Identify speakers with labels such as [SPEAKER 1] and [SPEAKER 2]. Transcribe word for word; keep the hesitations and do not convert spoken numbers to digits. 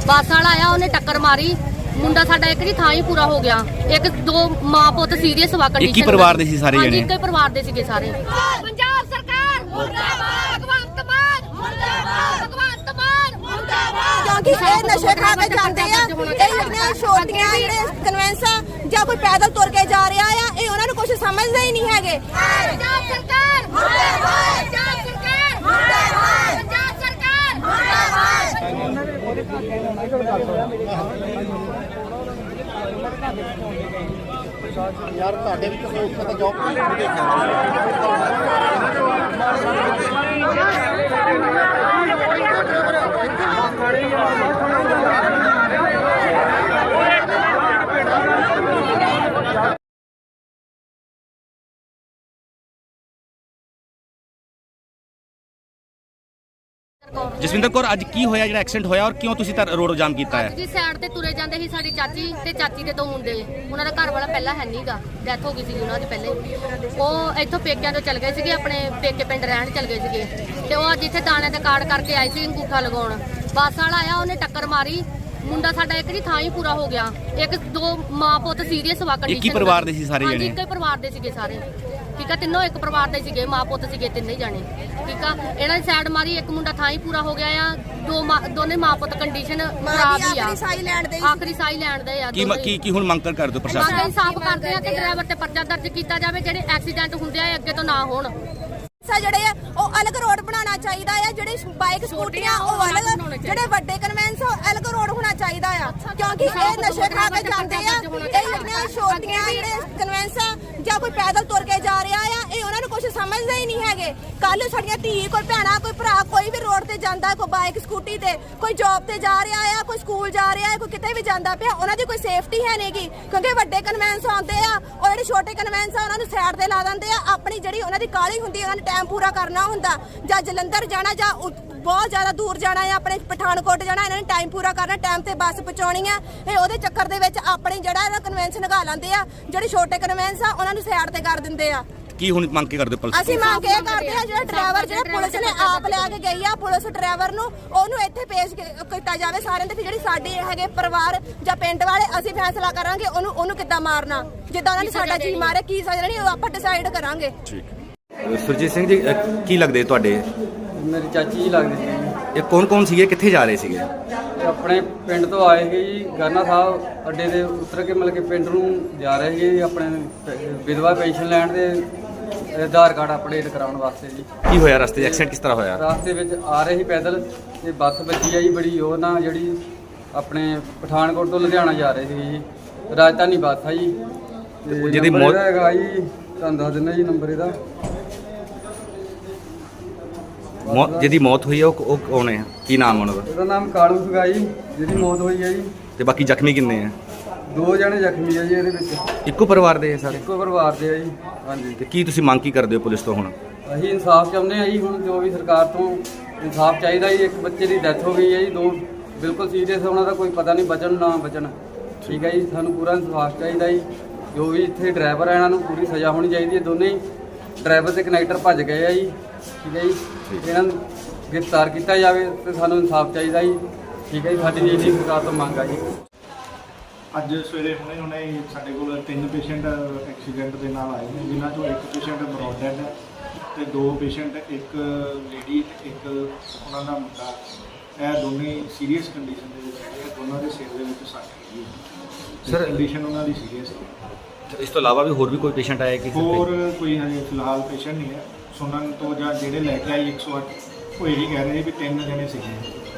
[SPEAKER 1] ਬੱਸ ਵਾਲਾ ਆਇਆ, ਉਹਨੇ ਟੱਕਰ ਮਾਰੀ। ਮੁੰਡਾ ਸਾਡਾ ਇੱਕ ਦੀ ਥਾਂ ਹੀ ਪੂਰਾ ਹੋ ਗਿਆ। ਇੱਕ ਦੋ ਮਾਂ ਪੁੱਤ ਸੀਰੀਅਸ ਵਾ ਕੰਡੀਸ਼ਨ।
[SPEAKER 2] ਇੱਕ ਹੀ ਪਰਿਵਾਰ ਦੇ ਸੀ ਸਾਰੇ ਜਣੇ?
[SPEAKER 1] ਹਾਂਜੀ, ਇੱਕ ਹੀ ਪਰਿਵਾਰ ਦੇ ਸੀਗੇ ਸਾਰੇ। ਪੰਜਾਬ ਸਰਕਾਰ ਮੁਰਦਾਬਾਦ, ਭਗਵੰਤ ਮਾਨ ਮੁਰਦਾਬਾਦ, ਭਗਵੰਤ ਮਾਨ ਮੁਰਦਾਬਾਦ।
[SPEAKER 3] ਕਿਉਂਕਿ ਇਹ ਨਸ਼ੇ ਖਾ ਕੇ ਜਾਂਦੇ ਆ। ਇਹ ਜਿਹੜੀਆਂ ਛੋਟੀਆਂ ਜਿਹੜੇ ਕਨਵੈਂਸਾਂ ਜਾਂ ਕੋਈ ਪੈਦਲ ਤੁਰ ਕੇ ਜਾ ਰਿਹਾ ਆ, ਇਹ ਉਹਨਾਂ ਨੂੰ ਕੁਝ ਸਮਝਦੇ ਹੀ ਨਹੀਂ ਹੈਗੇ।
[SPEAKER 1] ਪੰਜਾਬ ਸਰਕਾਰ ਮੁਰਦਾਬਾਦ, ਪੰਜਾਬ ਸਰਕਾਰ ਮੁਰਦਾਬਾਦ, ਪੰਜਾਬ ਸਰਕਾਰ ਮੁਰਦਾਬਾਦ।
[SPEAKER 4] ਯਾਰ ਤੁਹਾਡੇ ਵੀ ਕੋਈ ਉੱਥੇ ਤਾਂ ਜੌਬ ਨਹੀਂ ਦੇਖਿਆ।
[SPEAKER 2] ਜਸਵਿੰਦਰ ਕੌਰ, ਅੱਜ ਕੀ ਹੋਇਆ ਜਿਹੜਾ ਐਕਸੀਡੈਂਟ ਹੋਇਆ ਔਰ ਕਿਉਂ ਤੁਸੀਂ ਤਾਂ ਰੋਡ ਜਾਮ ਕੀਤਾ ਹੈ?
[SPEAKER 1] ਜੀ ਸਾਈਡ ਤੇ ਤੁਰੇ ਜਾਂਦੇ ਸੀ ਸਾਡੀ ਚਾਚੀ ਤੇ ਚਾਚੀ ਦੇ ਦੋ ਮੁੰਡੇ। ਉਹਨਾਂ ਦਾ ਘਰ ਵਾਲਾ ਪਹਿਲਾਂ ਹੈ ਨਹੀਂਗਾ, ਡੈਥ ਹੋ ਗਈ ਸੀ ਉਹਨਾਂ ਦੀ ਪਹਿਲੇ। ਉਹ ਇੱਥੋਂ ਪੇਕਿਆਂ ਤੋਂ ਚਲ ਗਏ ਸੀਗੇ, ਆਪਣੇ ਪੇਕੇ ਪਿੰਡ ਰਹਿਣ ਚਲ ਗਏ ਸੀਗੇ। ਤੇ ਉਹ ਅੱਜ ਇੱਥੇ ਦਾਣੇ ਦਾ ਕਾਰਡ ਕਰਕੇ ਆਏ ਸੀ ਅੰਗੂਠਾ ਲਗਾਉਣ। ਬੱਸ ਵਾਲਾ ਆਇਆ, ਉਹਨੇ ਟੱਕਰ ਮਾਰੀ। ਮੁੰਡਾ ਸਾਡਾ ਇੱਕ ਦੀ ਥਾਂ ਹੀ ਪੂਰਾ ਹੋ ਗਿਆ। ਇੱਕ ਦੋ ਮਾਂ ਪੁੱਤ ਸੀਰੀਅਸ ਵਾ ਕੰਡੀਸ਼ਨ।
[SPEAKER 2] ਇੱਕ ਹੀ ਪਰਿਵਾਰ ਦੇ ਸੀ ਸਾਰੇ ਜਣੇ?
[SPEAKER 1] ਹਾਂਜੀ, ਇੱਕ ਹੀ ਪਰਿਵਾਰ ਦੇ ਸੀਗੇ ਸਾਰੇ। ਠੀਕ ਆ, ਤਿੰਨੋਂ ਇੱਕ ਪਰਿਵਾਰ ਦੇ ਸੀਗੇ, ਮਾਂ ਪੁੱਤ ਸੀਗੇ ਤਿੰਨੇ ਜਾਣੇ। ਠੀਕ ਆ, ਇਹਨਾਂ ਦੀ ਸਾਈਡ ਮਾਰੀ, ਇੱਕ ਮੁੰਡਾ ਥਾਂ ਹੀ ਪੂਰਾ ਹੋ ਗਿਆ ਆ। ਦੋ ਦੋਨੇ ਮਾਂ ਪੁੱਤ ਕੰਡੀਸ਼ਨ ਖਰਾਬ ਹੀ ਆ।
[SPEAKER 3] ਆਖਰੀ ਸਾਈ ਲੈਣ ਦੇ
[SPEAKER 1] ਆਖਰੀ ਸਾਈ ਲੈਣ ਦੇ ਆ।
[SPEAKER 2] ਕੀ ਕੀ ਕੀ ਹੁਣ ਮੰਗ ਕਰ ਦਿਓ ਪ੍ਰਸ਼ਾਸਨ?
[SPEAKER 1] ਮੰਗ ਇਨਸਾਫ ਕਰਦੇ ਆ ਕਿ ਡਰਾਈਵਰ ਤੇ ਪਰਚਾ ਦਰਜ ਕੀਤਾ ਜਾਵੇ। ਜਿਹੜੇ ਐਕਸੀਡੈਂਟ ਹੁੰਦੇ ਆ ਅੱਗੇ ਤੋਂ ਨਾ ਹੋਣ।
[SPEAKER 3] ਜਿਹੜੇ ਆ ਉਹ ਅਲੱਗ ਰੋਡ ਬਣਾਉਣਾ ਚਾਹੀਦਾ ਆ। ਜਿਹੜੇ ਬਾਈਕ ਸਕੂਟੀਆਂ ਉਹ ਅਲੱਗ, ਜਿਹੜੇ ਵੱਡੇ ਕਨਵੈਂਸ ਉਹ ਅਲੱਗ ਰੋਡ ਹੋਣਾ ਚਾਹੀਦਾ ਆ। ਕਿਉਂਕਿ ਇਹ ਨਸ਼ੇ ਖਾ ਕੇ ਜਾਂਦੇ ਆ। ਇਹ ਜਿਹੜੀਆਂ ਛੋਟੀਆਂ ਜਿਹੜੇ ਕਨਵੈਂਸਾਂ ਜਾਂ ਕੋਈ ਪੈਦਲ ਤੁਰ ਕੇ ਜਾ ਰਿਹਾ ਆ, ਇਹ ਉਹਨਾਂ ਨੂੰ ਕੁਝ ਸਮਝਦੇ ਹੀ ਨਹੀਂ ਹੈਗੇ। ਕੱਲ ਸਾਡੀਆਂ ਧੀ, ਕੋਈ ਭੈਣਾ, ਕੋਈ ਭਰਾ, ਕੋਈ ਵੀ ਰੋਡ ਤੇ ਜਾਂਦਾ, ਕੋਈ ਬਾਈਕ ਸਕੂਟੀ ਤੇ, ਕੋਈ ਜੌਬ ਤੇ ਜਾ ਰਿਹਾ ਆ, ਕੋਈ ਸਕੂਲ ਜਾ ਰਿਹਾ ਆ, ਕੋਈ ਕਿਤੇ ਵੀ ਜਾਂਦਾ ਪਿਆ, ਉਹਨਾਂ ਦੀ ਕੋਈ ਸੇਫਟੀ ਹੈ ਨਹੀਂਗੀ। ਕਿਉਂਕਿ ਵੱਡੇ ਕਨਵੈਂਸ ਆਉਂਦੇ ਆ, ਉਹ ਜਿਹੜੇ ਛੋਟੇ ਕਨਵੈਂਸ ਆ ਉਹਨਾਂ ਨੂੰ ਸਾਈਡ ਤੇ ਲਾ ਦਿੰਦੇ ਆ। ਆਪਣੀ ਜਿਹੜੀ ਉਹਨਾਂ ਦੀ ਕਾਹਲੀ ਹੁੰਦੀ, ਉਹਨਾਂ ਨੇ ਟਾਈਮ ਪੂਰਾ ਕਰਨਾ ਹੁੰਦਾ, ਜਾਂ ਜਲੰਧਰ ਜਾਣਾ ਜਾਂ ਬਹੁਤ ਜ਼ਿਆਦਾ ਦੂਰ ਜਾਣਾ ਹੈ, ਆਪਣੇ ਪਠਾਨਕੋਟ ਜਾਣਾ, ਇਹਨਾਂ ਨੇ ਟਾਈਮ ਪੂਰਾ ਕਰਨਾ, ਟਾਈਮ ਤੇ ਬੱਸ ਪਹੁੰਚਾਉਣੀ ਆ। ਇਹ ਉਹਦੇ ਚੱਕਰ ਦੇ ਵਿੱਚ ਆਪਣੀ ਜਿਹੜਾ ਇਹਦਾ ਕਨਵੈਂਸ ਲਗਾ ਲੈਂਦੇ ਆ। ਜਿਹੜੇ ਛੋਟੇ ਕਨਵੈਂਸ ਆ ਉਹਨਾਂ ਨੂੰ ਸਾਈਡ ਤੇ ਕਰ ਦਿੰਦੇ ਆ।
[SPEAKER 2] ਕੀ ਹੁਣ ਮੰਗ ਕੇ ਕਰਦੇ ਹੋ ਪੁਲਿਸ?
[SPEAKER 3] ਅਸੀਂ ਮੰਗ ਇਹ ਕਰਦੇ ਆ, ਜਿਹੜਾ ਡਰਾਈਵਰ ਜਿਹੜਾ ਪੁਲਿਸ ਨੇ ਆਪ ਲਿਆ ਕੇ ਗਈ ਆ, ਪੁਲਿਸ ਡਰਾਈਵਰ ਨੂੰ ਉਹਨੂੰ ਇੱਥੇ ਪੇਸ਼ ਕੀਤਾ ਜਾਵੇ ਸਾਰਿਆਂ ਦੇ। ਜਿਹੜੀ ਸਾਡੇ ਹੈਗੇ ਪਰਿਵਾਰ ਜਾਂ ਪਿੰਡ ਵਾਲੇ, ਅਸੀਂ ਫੈਸਲਾ ਕਰਾਂਗੇ ਉਹਨੂੰ ਉਹਨੂੰ ਕਿੱਦਾਂ ਮਾਰਨਾ। ਜਿੱਦਾਂ ਉਹਨਾਂ ਨੇ ਸਾਡਾ ਜੀ ਮਾਰੇ, ਕੀ ਸਜ਼ਾ ਦੇਣੀ ਉਹ ਆਪਾਂ ਡਿਸਾਈਡ ਕਰਾਂਗੇ।
[SPEAKER 2] ਸੁਰਜੀਤ ਸਿੰਘ ਜੀ, ਕੀ ਲੱਗਦੇ ਤੁਹਾਡੇ?
[SPEAKER 5] ਮੇਰੀ ਚਾਚੀ ਜੀ ਲੱਗਦੀ ਸੀ।
[SPEAKER 2] ਇਹ ਕੌਣ ਕੌਣ ਸੀਗੇ, ਕਿੱਥੇ ਜਾ ਰਹੇ ਸੀਗੇ?
[SPEAKER 5] ਆਪਣੇ ਪਿੰਡ ਤੋਂ ਆਏ ਸੀ ਜੀ, ਗਾਨਾ ਸਾਹਿਬ ਅੱਡੇ ਦੇ ਉਤਰ ਕੇ ਮਤਲਬ ਕਿ ਪਿੰਡ ਨੂੰ ਜਾ ਰਹੇ ਸੀ ਜੀ, ਆਪਣੇ ਵਿਧਵਾ ਪੈਨਸ਼ਨ ਲੈਣ ਦੇ ਆਧਾਰ ਕਾਰਡ ਅਪਡੇਟ ਕਰਾਉਣ ਵਾਸਤੇ ਜੀ।
[SPEAKER 2] ਕੀ ਹੋਇਆ ਰਸਤੇ 'ਚ? ਐਕਸੀਡੈਂਟ ਕਿਸ ਤਰ੍ਹਾਂ ਹੋਇਆ?
[SPEAKER 5] ਰਾਸਤੇ ਵਿੱਚ ਆ ਰਹੇ ਸੀ ਪੈਦਲ ਤੇ ਬੱਸ ਵੱਜੀ ਆ ਜੀ ਬੜੀ ਉਹ ਨਾ, ਜਿਹੜੀ ਆਪਣੇ ਪਠਾਨਕੋਟ ਤੋਂ ਲੁਧਿਆਣਾ ਜਾ ਰਹੇ ਸੀ ਜੀ, ਰਾਜਧਾਨੀ ਬੱਸ ਆ ਜੀ। ਤੇ
[SPEAKER 2] ਜਿਹਦੀ
[SPEAKER 5] ਨੰਬਰ
[SPEAKER 2] ਮੌਤ
[SPEAKER 5] ਇਹਦਾ ਹੈਗਾ ਜੀ, ਤੁਹਾਨੂੰ ਦੱਸ ਦਿੰਦਾ ਜੀ ਨੰਬਰ ਇਹਦਾ।
[SPEAKER 2] ਮੌਤ ਜਿਹਦੀ ਮੌਤ ਹੋਈ ਹੈ ਉਹ ਉਹ ਕੌਣ ਹੈ? ਕੀ ਨਾਮ ਉਹਨਾਂ ਦਾ?
[SPEAKER 5] ਇਹਦਾ ਨਾਮ ਕਾਲੂ ਸੀਗਾ ਜੀ, ਜਿਹਦੀ ਮੌਤ ਹੋਈ ਹੈ ਜੀ।
[SPEAKER 2] ਤੇ ਬਾਕੀ ਜ਼ਖਮੀ ਕਿੰਨੇ ਆ?
[SPEAKER 5] ਦੋ ਜਣੇ ਜ਼ਖਮੀ ਆ ਜੀ ਇਹਦੇ ਵਿੱਚ।
[SPEAKER 2] ਇੱਕੋ ਪਰਿਵਾਰ ਦੇ ਸਾਰੇ?
[SPEAKER 5] ਇੱਕੋ ਪਰਿਵਾਰ ਦੇ ਆ ਜੀ। ਹਾਂਜੀ।
[SPEAKER 2] ਤੇ ਕੀ ਤੁਸੀਂ ਮੰਗ ਕੀ ਕਰਦੇ ਹੋ ਪੁਲਿਸ ਤੋਂ ਹੁਣ?
[SPEAKER 5] ਅਸੀਂ ਇਨਸਾਫ ਚਾਹੁੰਦੇ ਆ ਜੀ। ਹੁਣ ਜੋ ਵੀ ਸਰਕਾਰ ਤੋਂ ਇਨਸਾਫ ਚਾਹੀਦਾ ਜੀ। ਇੱਕ ਬੱਚੇ ਦੀ ਡੈਥ ਹੋ ਗਈ ਹੈ ਜੀ, ਦੋ ਬਿਲਕੁਲ ਸੀਰੀਅਸ, ਉਹਨਾਂ ਦਾ ਕੋਈ ਪਤਾ ਨਹੀਂ ਬਚਣ ਨਾ ਬਚਣ। ਠੀਕ ਹੈ ਜੀ, ਸਾਨੂੰ ਪੂਰਾ ਇਨਸਾਫ ਚਾਹੀਦਾ ਜੀ। ਜੋ ਵੀ ਇੱਥੇ ਡਰਾਈਵਰ ਆ ਇਹਨਾਂ ਨੂੰ ਪੂਰੀ ਸਜ਼ਾ ਹੋਣੀ ਚਾਹੀਦੀ ਹੈ। ਦੋਨੇ ਹੀ ਡਰਾਈਵਰ ਤੇ ਕਨੈਕਟਰ ਭੱਜ ਗਏ ਆ ਜੀ। ਠੀਕ ਹੈ ਜੀ, ਇਹਨਾਂ ਨੂੰ ਗ੍ਰਿਫਤਾਰ ਕੀਤਾ ਜਾਵੇ ਤੇ ਸਾਨੂੰ ਇਨਸਾਫ ਚਾਹੀਦਾ ਜੀ। ਠੀਕ ਹੈ ਜੀ, ਸਾਡੀ ਜੀ ਇੰਨੀ ਸਰਕਾਰ ਤੋਂ ਮੰਗ ਆ ਜੀ।
[SPEAKER 4] ਅੱਜ ਸਵੇਰੇ ਹੁਣੇ ਹੁਣੇ ਸਾਡੇ ਕੋਲ ਤਿੰਨ ਪੇਸ਼ੈਂਟ ਐਕਸੀਡੈਂਟ ਦੇ ਨਾਲ ਆਏ ਨੇ, ਜਿਨ੍ਹਾਂ ਚੋਂ ਇੱਕ ਪੇਸ਼ੈਂਟ ਬਰੋਡ ਡੈਡ ਹੈ ਤੇ ਦੋ ਪੇਸ਼ੈਂਟ, ਇੱਕ ਲੇਡੀ ਤੇ ਇੱਕ ਉਹਨਾਂ ਦਾ ਮੁੰਡਾ। ਇਹ ਦੋਨੇ ਸੀਰੀਅਸ ਕੰਡੀਸ਼ਨ ਦੇ ਵਿੱਚ ਹੈਗੇ। ਦੋਨਾਂ ਦੇ ਸਿਰ ਦੇ ਵਿੱਚ ਸੱਟ ਹੈਗੀ ਹੈ ਸਰ। ਕੰਡੀਸ਼ਨ ਉਹਨਾਂ ਦੀ ਸੀਰੀਅਸ ਹੈ।
[SPEAKER 2] ਇਸ ਤੋਂ ਇਲਾਵਾ ਵੀ ਹੋਰ ਵੀ ਕੋਈ ਪੇਸ਼ੈਂਟ ਆਇਆ ਕਿ?
[SPEAKER 4] ਹੋਰ ਕੋਈ ਹਜੇ ਫਿਲਹਾਲ ਪੇਸ਼ੈਂਟ ਨਹੀਂ ਹੈ। ਸੁਣਨ ਤੋਂ ਜਾਂ ਜਿਹੜੇ ਲੈ ਕੇ ਆਏ ਇੱਕ ਸੌ ਅੱਠ ਉਹ ਇਹੀ ਕਹਿ ਰਹੇ ਵੀ ਤਿੰਨ ਜਣੇ ਸੀਗੇ।